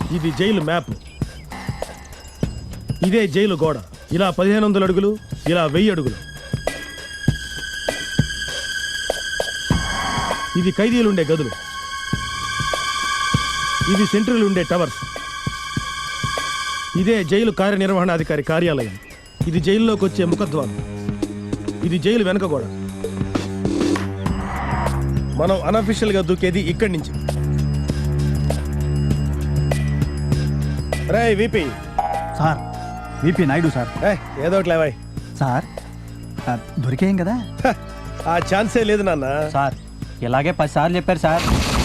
ఇది jail map. ఇదే jail గోడ. ఇలా 1500 అడుగులు, ఇలా 1000 అడుగులు. ఇది ఖైదీలుండే గదులు. ఇది సెంట్రల్ ఉండే టవర్స్. ఇదే జైలు కార్యనిర్వహణాధికారి కార్యాలయం. ఇది జైల్లోకి వచ్చే ముఖద్వారం. ఇది జైలు వెనక గోడ. మనం అనఫిషియల్ గా దూకేది ఇక్కడి నుంచి. రే VP. Sir, VP Naidu sir. ఏదో ఒకటి లేవాయ్ సార్. దొరికేయం కదా? ఆ ఛాన్సే లేదు నాన్న. సార్ ఇలాగే 10 సార్లు చెప్పారు సార్.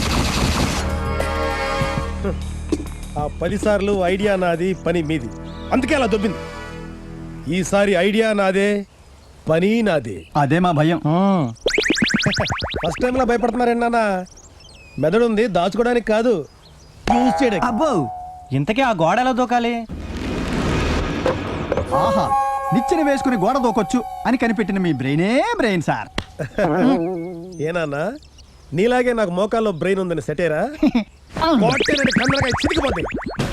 ఆ 10 సార్లు ఐడియా నాది, పని మీది. అందుకే అలా దొబ్బింది. ఈసారి ఐడియా నాదే, పని నాదే. అదే మా భయం. ఫస్ట్ టైంలో భయపడుతున్నారండి నాన్న. మెదడు ఉంది దాచుకోవడానికి కాదు, యూజ్ చేయడానికి. అబ్బో, ఇంతకీ ఆ గోడ ఎలా దూకాలి? ఆహా, నిచ్చెన వేసుకుని గోడ దూకొచ్చు అని కనిపెట్టిన మీ బ్రెయినే బ్రెయిన్ సార్. ఏనాన్నా, నీలాగే నాకు మోకాల్లో బ్రెయిన్ ఉందని సెటేరా? చితికిపోతాయి.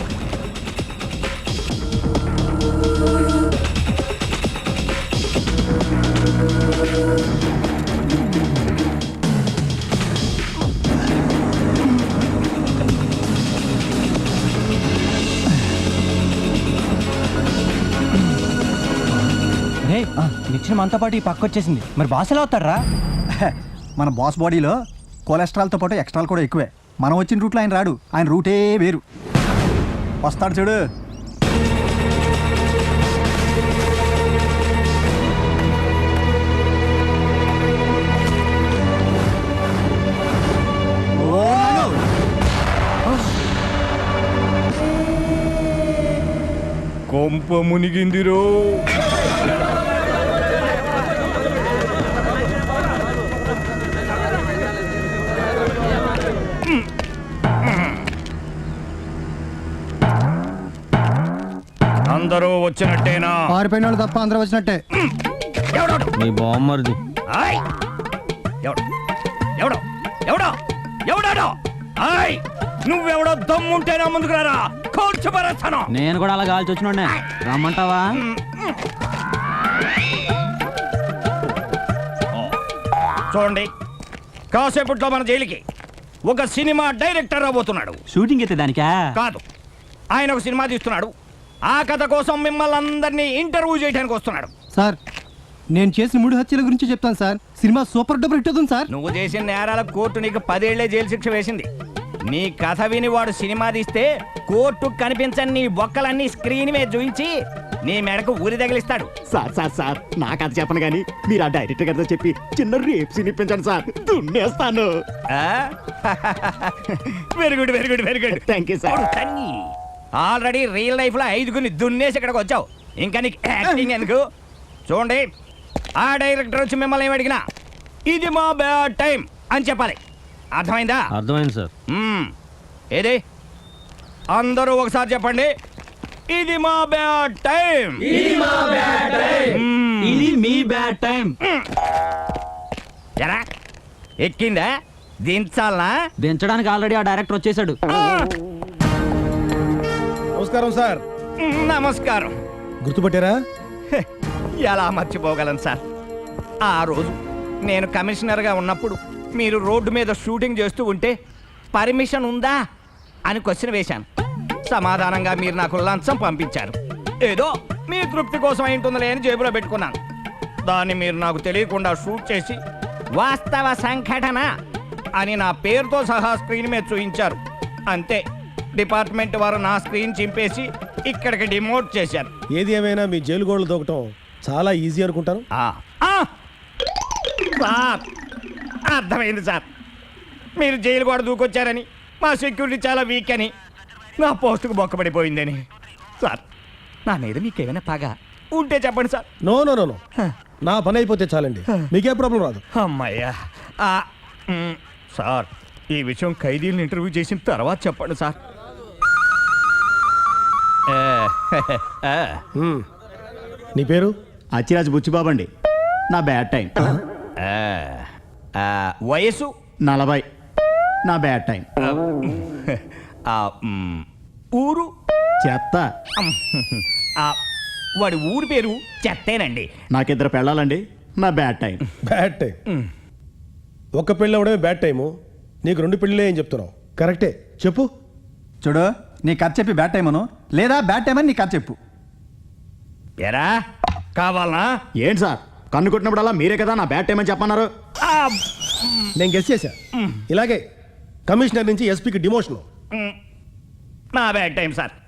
నిచ్చెన మనతో పాటు ఈ పక్క వచ్చేసింది. మరి బాస్ ఎలా అవుతారా? మన బాస్ బాడీలో కొలెస్ట్రాల్తో పాటు ఎక్స్ట్రాల్ కూడా ఎక్కువే. మనం వచ్చిన రూట్లో ఆయన రాడు. ఆయన రూటే వేరు. వస్తాడు చూడు. కొంప మునిగిందిరో. అందరూ వచ్చినట్టేనా? పారిపోయిన వాళ్ళు తప్ప అందరూ వచ్చినట్టే. మీ బామ్మర్ది. నువ్వెవడో దమ్ముంటేనా ముందుకు రారా, కూర్చోబరేస్తాను. నేను కూడా అలా కాల్చి వచ్చిన రమ్మంటావా? చూడండి, కాసేపట్లో మన జైలుకి ఒక సినిమా డైరెక్టర్ రాబోతున్నాడు. షూటింగ్ అయితే దానికా? కాదు, ఆయన ఒక సినిమా తీస్తున్నాడు. ఆ కథ కోసం మిమ్మల్ని అందరినీ ఇంటర్వ్యూ చేయడానికి వస్తున్నాడు. సార్, నేను చేసిన 3 హత్యల గురించి చెప్తాను sir. Cinema super duper hit అవుతుంది సార్. నువ్వు చేసిన నేరాలకు కోర్టు నీకు 10 ఏళ్లే జైలు శిక్ష వేసింది. నీ కథ విని వాడు సినిమా తీస్తే కోర్టు కనిపించని నీ బొక్కలన్నీ స్క్రీన్ మీద చూయించి నీ మెడకు ఊరి తగిలిస్తాడు. సార్ సార్ సార్, నా కథ చెప్పను గానీ మీరు ఆ డైరెక్టర్ గారితో చెప్పి చిన్న రేప్ సీన్ ఇప్పించండి సార్. దున్నేస్తాను. Very good, very good, very good. Thank you sir. Already real life లో 5గురిని దున్నేసి ఇక్కడికి వచ్చావు, ఇంకా నీకు యాక్టింగ్ ఎందుకు? చూడండి, ఆ డైరెక్టర్ వచ్చి మిమ్మల్ని ఏమడిగినా ఇది మా బ్యాడ్ టైం అని చెప్పాలి. అర్థమైందా? అర్థమైంది సార్. ఏది అందరూ ఒకసారి చెప్పండి, ఇది మా బ్యాడ్ టైం. ఇది మీ బ్యాడ్ టైం. ఎరా ఎక్కిందా? దించాలనా? దించడానికి ఆల్రెడీ ఆ డైరెక్టర్ వచ్చేసాడు. నమస్కారం సార్. నమస్కారం. గుర్తుపట్టారా? ఎలా మర్చిపోగలను సార్. ఆ రోజు నేను కమిషనర్గా ఉన్నప్పుడు మీరు రోడ్డు మీద షూటింగ్ చేస్తూ ఉంటే పర్మిషన్ ఉందా అని క్వశ్చన్ వేశాను. సమాధానంగా మీరు నాకు లంచం పంపించారు. ఏదో మీ తృప్తి కోసం అయింటుందిలే అని జేబులో పెట్టుకున్నాను. దాన్ని మీరు నాకు తెలియకుండా షూట్ చేసి వాస్తవ సంఘటన అని నా పేరుతో సహా స్క్రీన్ మీద చూయించారు. అంతే, డిపార్ట్మెంట్ వారు నా స్క్రీన్ చింపేసి ఇక్కడికి డిమోట్ చేశారు. ఏది ఏమైనా మీ జైలు గోడలు దూకటం చాలా ఈజీ అనుకుంటాను. సార్, అర్థమైంది సార్. మీరు జైలు కూడా దూకొచ్చారని, మా సెక్యూరిటీ చాలా వీక్ అని, నా పోస్టుకు బొక్కబడిపోయిందని. సార్, నా మీద మీకేమైనా పగ ఉంటే చెప్పండి sir. No no no no, నా పని అయిపోతే చాలండి, మీకే ప్రాబ్లం రాదు. అమ్మయ్యా. సార్, ఈ విషయం ఖైదీలను ఇంటర్వ్యూ చేసిన తర్వాత చెప్పండి సార్. నీ పేరు? అచ్చిరాజు బుచ్చిబాబు అండి. నా బ్యాడ్ టైం. వయసు 40. నా బ్యాడ్ టైం. ఊరు చెత్త. ఆ, వాడి ఊరు పేరు చెత్తేనండి. నాకిద్దరు పెళ్ళాలండి. నా బ్యాడ్ టైం. Bad time. ఒక పెళ్ళి అవడమే బ్యాడ్ టైము, నీకు 2 పెళ్ళిలే ఏం చెప్తున్నావు? కరెక్టే, చెప్పు. చూడు, నీ కథ చెప్పి బ్యాడ్ టైం అను, లేదా బ్యాడ్ టైం అని నీ కథ చెప్పు. ఎరా కావాలనా? ఏంటి సార్, కన్ను కొట్టినప్పుడల్లా మీరే కదా నా బ్యాడ్ టైం అని చెప్పన్నారు. ఆ, నేను గెస్ చేశా. ఇలాగే కమిషనర్ నుంచి ఎస్పీకి డిమోషన్. నా బ్యాడ్ టైం సార్.